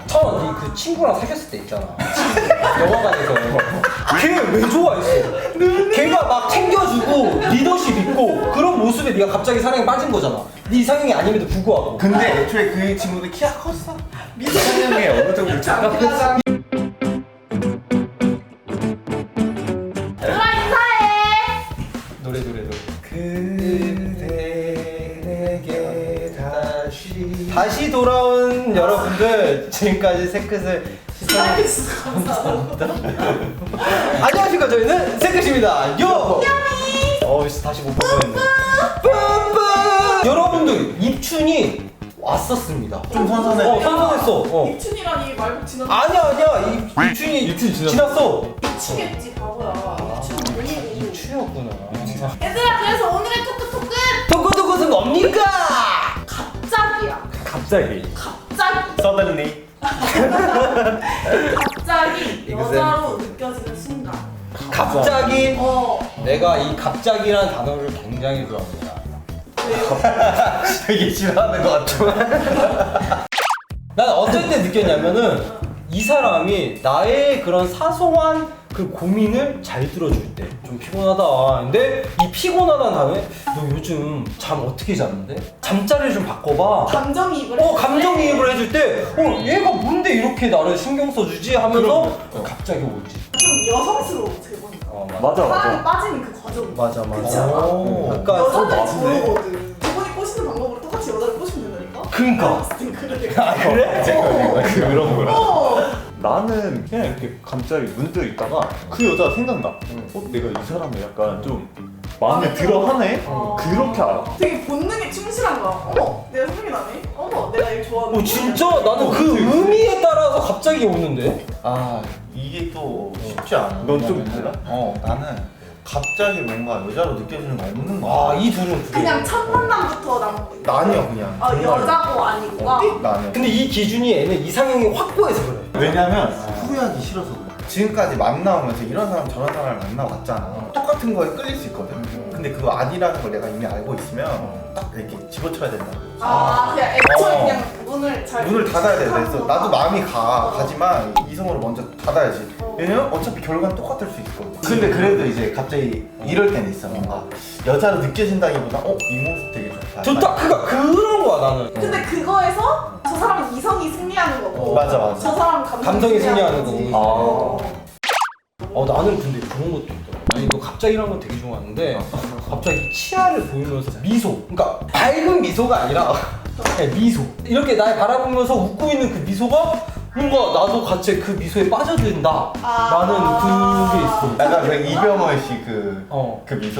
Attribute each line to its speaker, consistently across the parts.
Speaker 1: 천원 네 그 친구랑 사귀었을 때 있잖아. 영화관에서 걔 왜 좋아했어? 걔가 막 챙겨주고 리더십 있고 그런 모습에 네가 갑자기 사랑에 빠진 거잖아. 네 이상형이 아님에도 불구하고.
Speaker 2: 근데 애초에 그 친구도 키가 컸어. 이상형에 어느 정도 적합했어.
Speaker 1: 노래.
Speaker 2: 그대에게
Speaker 1: 다시 돌아온 여러분들, 지금까지 새끝을
Speaker 3: 감사합니다.
Speaker 1: 안녕하십니까, 저희는 새끝입니다. 요! 다시 못 보겠네. 뿜뿜! 여러분들, 입춘이 왔었습니다.
Speaker 2: 좀 선선해.
Speaker 1: 선선했어.
Speaker 3: 입춘이라니 말고 지났어.
Speaker 1: 아니야. 입춘이 지났어.
Speaker 3: 미치겠지 바보야. 입춘 뭐냐고.
Speaker 1: 입춘이었구나.
Speaker 3: 얘들아, 그래서 오늘의
Speaker 1: 토크는 뭡니까?
Speaker 3: 갑자기
Speaker 2: 서든리.
Speaker 3: 갑자기 여자로 느껴지는 순간.
Speaker 1: 갑자기 내가 이 갑자기라는 단어를 굉장히 좋아합니다.
Speaker 2: 되게 싫어하는 것 같아.
Speaker 1: 난 어쩔 때 느꼈냐면은 이 사람이 나의 그런 사소한 그 고민을 잘 들어줄 때 좀 피곤하다. 근데 이 피곤하다는 단어에 너 요즘 잠 어떻게 잤는데? 잠자리를 좀 바꿔봐.
Speaker 3: 감정이입을.
Speaker 1: 감정이입을 해줄 때 얘가 뭔데 이렇게 나를 신경 써주지 하면서 갑자기 오지.
Speaker 3: 좀 여성스러워 제 보니까.
Speaker 2: 맞아.
Speaker 3: 사랑에 빠지는 그 과정.
Speaker 1: 맞아.
Speaker 3: 그치 않아?
Speaker 1: 약간
Speaker 3: 여자들
Speaker 2: 맞네.
Speaker 3: 저거거든. 저번에 꼬시는 방법으로 똑같이 여자를 꼬시면 된다니까.
Speaker 1: 그러니까.
Speaker 3: 그래?
Speaker 2: 그런 거야.
Speaker 4: 나는 그냥 이렇게 갑자기 문득 있다가 그 여자가 생각나. 내가 이 사람을 약간 좀 마음에 들어 하네? 그렇게 알아.
Speaker 3: 되게 본능에 충실한 거야. 어머, 내가 생각이 나네. 어머, 내가 얘 좋아하는.
Speaker 1: 진짜 나는 그 의미에 따라서 갑자기 오는데.
Speaker 2: 이게 또 쉽지 않아.
Speaker 4: 넌좀
Speaker 2: 왜냐면 나는 갑자기 뭔가 여자로 느껴지는 거 없는 거야.
Speaker 1: 이 둘은
Speaker 3: 그냥 첫 만남부터
Speaker 2: 나 아니야 그냥.
Speaker 3: 여자고 아니고가.
Speaker 2: 나 아니야.
Speaker 1: 근데 이 기준이 애는 이상형이 확고해서 그래.
Speaker 2: 왜냐면 후회하기 싫어서 그래. 지금까지 만나오면서 이런 사람 저런 사람을 만나봤잖아. 똑같은 거에 끌릴 수 있거든. 근데 그거 아니라는 걸 내가 이미 알고 있으면 딱 이렇게 집어쳐야 된다.
Speaker 3: 그냥 애초에 그냥 문을
Speaker 2: 닫아야 돼. 그래서 나도 마음이 가지만 이성으로 먼저 닫아야지. 왜냐면 어차피 결과는 똑같을 수 있거든. 근데 그래도 이제 갑자기 이럴 때는 있어. 뭔가 여자로 느껴진다기보다 이 모습 되게 좋다.
Speaker 1: 그런 거야 나는.
Speaker 3: 근데 그거에서 저 사람은 이성이 승리하는 거고.
Speaker 2: 맞아.
Speaker 3: 저 사람은
Speaker 1: 감성이 승리하는
Speaker 3: 거지.
Speaker 1: 나는 근데 그런 것도 있더라. 나 이거 갑자기라는 건 되게 좋아하는데 갑자기 치아를 보이면서 미소. 그러니까 밝은 미소가 아니라 그냥 미소. 이렇게 날 바라보면서 웃고 있는 그 미소가 뭔가 나도 같이 그 미소에 빠져든다. 라는 그게 있어.
Speaker 2: 약간 그 이병헌 씨 그 미소?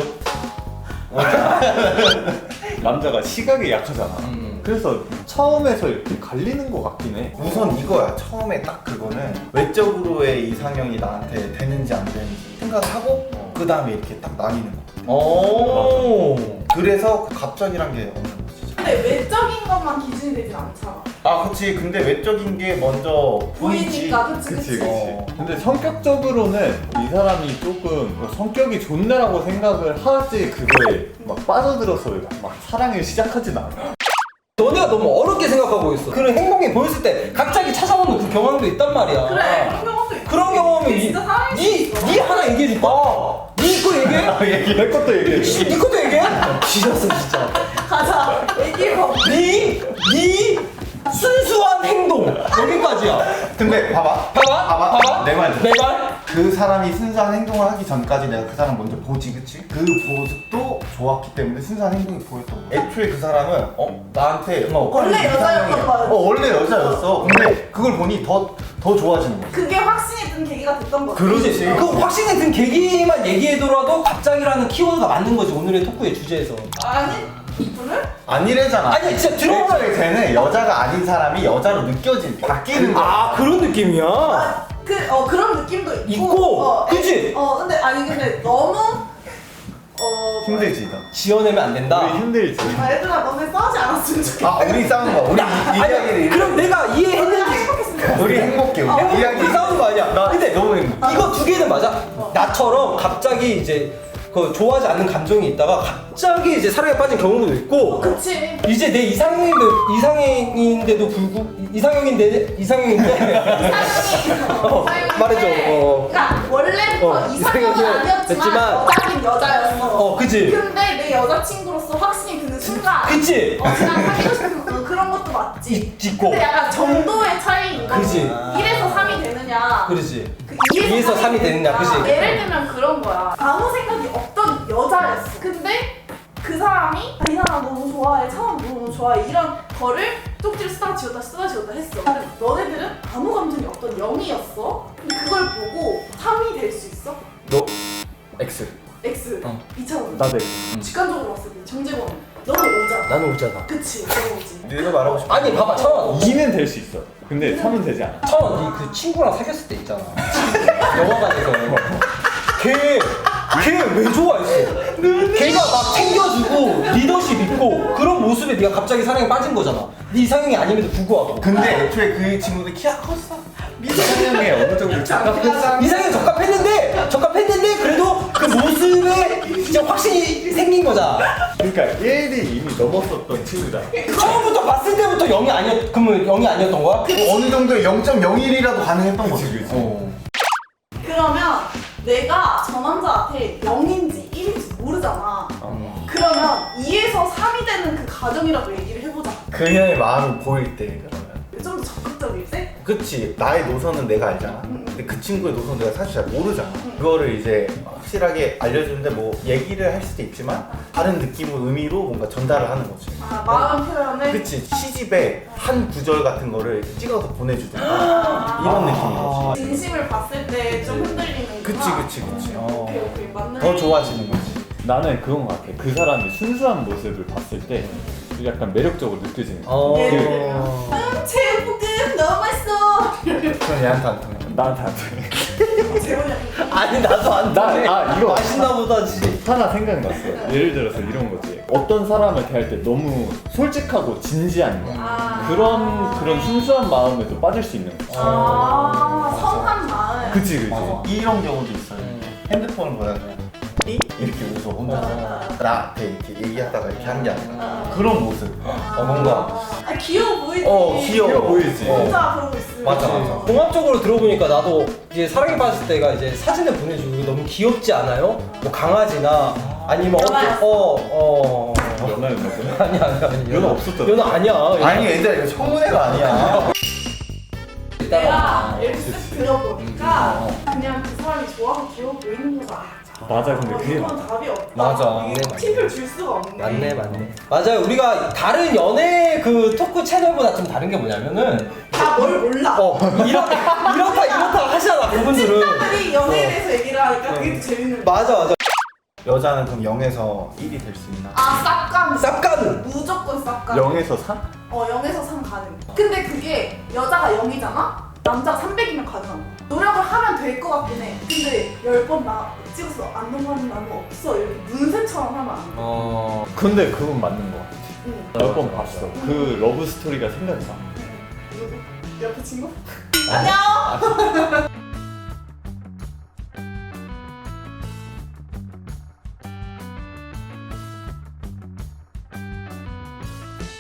Speaker 4: 남자가 시각에 약하잖아. 그래서 처음에서 이렇게 갈리는 것 같긴 해.
Speaker 2: 우선 이거야. 처음에 딱 그거는 외적으로의 이상형이 나한테 되는지 안 되는지 생각을 하고 그 다음에 이렇게 딱 나뉘는 거. 그래서 그 갑자기란 게 없는 거지.
Speaker 3: 근데 외적인 것만 기준이 되진 않잖아.
Speaker 2: 그치. 근데 외적인 게 먼저 보이지.
Speaker 3: 보이니까 그치.
Speaker 4: 근데 성격적으로는 이 사람이 조금 성격이 좋네라고 생각을 하지 그거에 막 빠져들어서 막 사랑을 시작하진 않아.
Speaker 1: 너네가 너무 어렵게 생각하고 있어. 그런 행동이 보였을 때 갑자기 찾아오는 그 경험도 있단 말이야.
Speaker 3: 그래, 그런 경험도 있어.
Speaker 1: 그런 경험이
Speaker 3: 그게 진짜 사랑일 수 있어.
Speaker 1: 니 하나 얘기해줄까? 니 거 얘기해?
Speaker 4: 내 것도 얘기해.
Speaker 1: 니 것도 얘기해? 지렸어 진짜.
Speaker 3: 가자. 얘기해봐.
Speaker 1: 니 순수한 행동 여기까지야.
Speaker 2: 근데 봐봐. 내 말. 그 사람이 순수한 행동을 하기 전까지 내가 그 사람 먼저 보지, 그치? 그 모습도 좋았기 때문에 순수한 행동이 보였던 거야. 애초에 그 사람은 나한테
Speaker 3: 원래 여자였던 거야.
Speaker 2: 원래 여자였어. 근데 그걸 보니 더 좋아지는 거야.
Speaker 3: 그게 확신이 든 계기가 됐던 거지.
Speaker 2: 그러지.
Speaker 1: 그 확신이 든 계기만 얘기해더라도 갑자기라는 키워드가 맞는 거지 오늘의 토크의 주제에서.
Speaker 3: 아니, 오늘?
Speaker 2: 아니래잖아.
Speaker 1: 아니 진짜 들어보면
Speaker 2: 애초에 쟤는 여자가 아닌 사람이 여자로 바뀌는 거야.
Speaker 1: 그런 느낌이야.
Speaker 3: 그런 느낌도
Speaker 1: 있고, 그치?
Speaker 3: 근데 너무
Speaker 2: 힘들지, 너.
Speaker 1: 지어내면 안 된다.
Speaker 4: 우리 힘들지.
Speaker 3: 얘들아, 너네 싸우지 않았으면 좋겠다.
Speaker 2: 우리 싸우는 거야. 우리 이야기를.
Speaker 1: 그럼 내가 이해했는지.
Speaker 3: 행복했으면
Speaker 2: 우리 행복해. 우리
Speaker 1: 우리 싸우는 거 아니야. 근데
Speaker 2: 너무 행복해.
Speaker 1: 이거 두 개는 맞아. 나처럼 갑자기 이제 그 좋아하지 않는 감정이 있다가 갑자기 이제 사랑에 빠진 경우도 있고.
Speaker 3: 그치.
Speaker 1: 이제 내 이상형인데도 이상형인데 말해줘.
Speaker 3: 그러니까 원래부터 이상형은 아니었지만
Speaker 1: 됐지만
Speaker 3: 여자긴 여자였어.
Speaker 1: 그치.
Speaker 3: 근데 내 여자친구로서 확신이 드는 순간
Speaker 1: 그치.
Speaker 3: 그냥 사귀고 싶은 그런 것도 맞지.
Speaker 1: 있고.
Speaker 3: 근데 약간 정도의 차이인 거지.
Speaker 1: 그치.
Speaker 3: 1에서 3이 되느냐.
Speaker 1: 그렇지.
Speaker 3: 그
Speaker 1: 2에서 3이 되느냐, 그치?
Speaker 3: 예를 들면 그런 거야. 아무 생각이 없던 여자였어. 근데 그 사람이 이 사람 너무 좋아해, 차원 너무 좋아해 이런 거를 쪽지를 쓰다 지웠다 했어. 근데 너네들은 아무 감정이 없던 0이었어. 근데 그걸 보고 3이 될 수 있어?
Speaker 1: 너 X.
Speaker 3: X.
Speaker 1: 어.
Speaker 3: 2차원.
Speaker 4: 나도
Speaker 3: 직관적으로 봤을 때 정재권 너는 5잖아.
Speaker 1: 나는 오잖아.
Speaker 3: 그치, 너는 5지.
Speaker 2: 내가 말하고 싶어.
Speaker 1: 아니 봐봐 천원.
Speaker 4: 2는 될 수 있어. 근데 3은 되지 않아.
Speaker 1: 천원 니 그 친구랑 사귀었을 때 있잖아. 영화관에서. 걔 왜 좋아했어? 걔가 막 챙겨주고 리더십 있고 그런 모습에 네가 갑자기 사랑에 빠진 거잖아. 네 이상형이 아님에도 불구하고.
Speaker 2: 근데 애초에 그 친구들 키가 컸어.
Speaker 4: 이상형에 어느 정도 적합했어.
Speaker 1: 이상형이 적합했는데 그래도 그 모습에 진짜 확신이 생긴 거잖아.
Speaker 4: 그러니까 1이 이미 넘었었던 친구다.
Speaker 1: 처음부터 봤을 때부터 0이 아니었, 그러면 0이 아니었던 거야?
Speaker 2: 어느 정도의 0.01이라도 가능했던 거지.
Speaker 4: 그치.
Speaker 3: 그러면 내가 저 남자한테 0인지 1인지 모르잖아. 그러면 2에서 3이 되는 그 과정이라도 얘기를 해보자.
Speaker 2: 그녀의 마음이 보일 때 그러면.
Speaker 3: 좀 더 적극적일세?
Speaker 2: 그치. 나의 노선은 내가 알잖아. 근데 그 친구의 노선은 내가 사실 잘 모르잖아. 그거를 이제 확실하게 알려주는데 뭐 얘기를 할 수도 있지만 다른 느낌의 의미로 뭔가 전달을 하는 거지.
Speaker 3: 아, 마음 표현을?
Speaker 2: 그치. 시집에 한 구절 같은 거를 찍어서 보내주든가 이런 느낌인 거지.
Speaker 3: 진심을 봤을 때 좀 흔들리는
Speaker 2: 그치.
Speaker 3: 오케이 맞는
Speaker 2: 더 좋아지는 거지.
Speaker 4: 나는 그건 것 같아. 그 사람이 순수한 모습을 봤을 때 약간 매력적으로 느껴지는 거야.
Speaker 3: 예를 들면 체육볶음 너무 맛있어.
Speaker 2: 그건 얘한테 안 통해.
Speaker 4: 나한테 안 돼.
Speaker 3: 재훈이한테
Speaker 1: 아니 나도 안 돼.
Speaker 4: 이거
Speaker 1: 맛있나 보다지.
Speaker 4: 하나 생각났어. 예를 들어서 이런 거지. 어떤 사람을 대할 때 너무 솔직하고 진지한 거야. 그런 순수한 마음에도 빠질 수 있는 거지.
Speaker 3: 성한 마음.
Speaker 4: 그치.
Speaker 2: 이런 경우도 있어요. 핸드폰을 보다가 이렇게 웃어 혼자서 나한테 이렇게 얘기하다가 이렇게 한 게 아니라 그런 모습. 뭔가
Speaker 3: 귀여워 보이지.
Speaker 2: 귀여워
Speaker 4: 보이지.
Speaker 3: 혼자 그러고 있으면.
Speaker 2: 맞아.
Speaker 1: 종합적으로 들어보니까 나도 이제 사랑에 빠졌을 때가 이제 사진을 보내주고 너무 귀엽지 않아요? 뭐 강아지나 아니면
Speaker 3: 연하였어.
Speaker 4: 연하였나 보네.
Speaker 1: 아니
Speaker 4: 연하 없었잖아.
Speaker 1: 연하 아니야.
Speaker 2: 아니 얘들아 이거 청문회가 아니야.
Speaker 3: 내가 이렇게 쓱 들어보니까 그냥 그 사람이 좋아서 귀여워 보이는 거다.
Speaker 4: 맞아. 근데 그게
Speaker 3: 이건 답이 없다.
Speaker 1: 맞아.
Speaker 3: 이게 팁을 줄 수가 없네.
Speaker 1: 맞네. 맞아요. 우리가 다른 연애 그 토크 채널보다 좀 다른 게 뭐냐면은
Speaker 3: 다 뭘 몰라.
Speaker 1: 이렇다 하시잖아 그분들은.
Speaker 3: 찐따들이 연애에 대해서 얘기를 하니까 그게 더 재밌는 거야.
Speaker 1: 맞아.
Speaker 2: 여자는 그럼 0에서 1이 될 수 있나?
Speaker 3: 쌉간.
Speaker 1: 쌉가는.
Speaker 3: 무조건 쌉간.
Speaker 4: 0에서 3?
Speaker 3: 0에서 3 가능. 근데 그게 여자가 0이잖아? 남자가 300이면 가능한 거야. 노력을 하면 될 것 같긴 해. 근데 10번 나 찍어서 안 넘어가는 나는 없어. 이렇게 문세처럼 하면 안 돼.
Speaker 4: 근데 그건 맞는 거 같아.
Speaker 3: 응.
Speaker 4: 몇 번 봤어. 그 러브 스토리가 생각나.
Speaker 3: 누구? 옆에 친구? 안녕!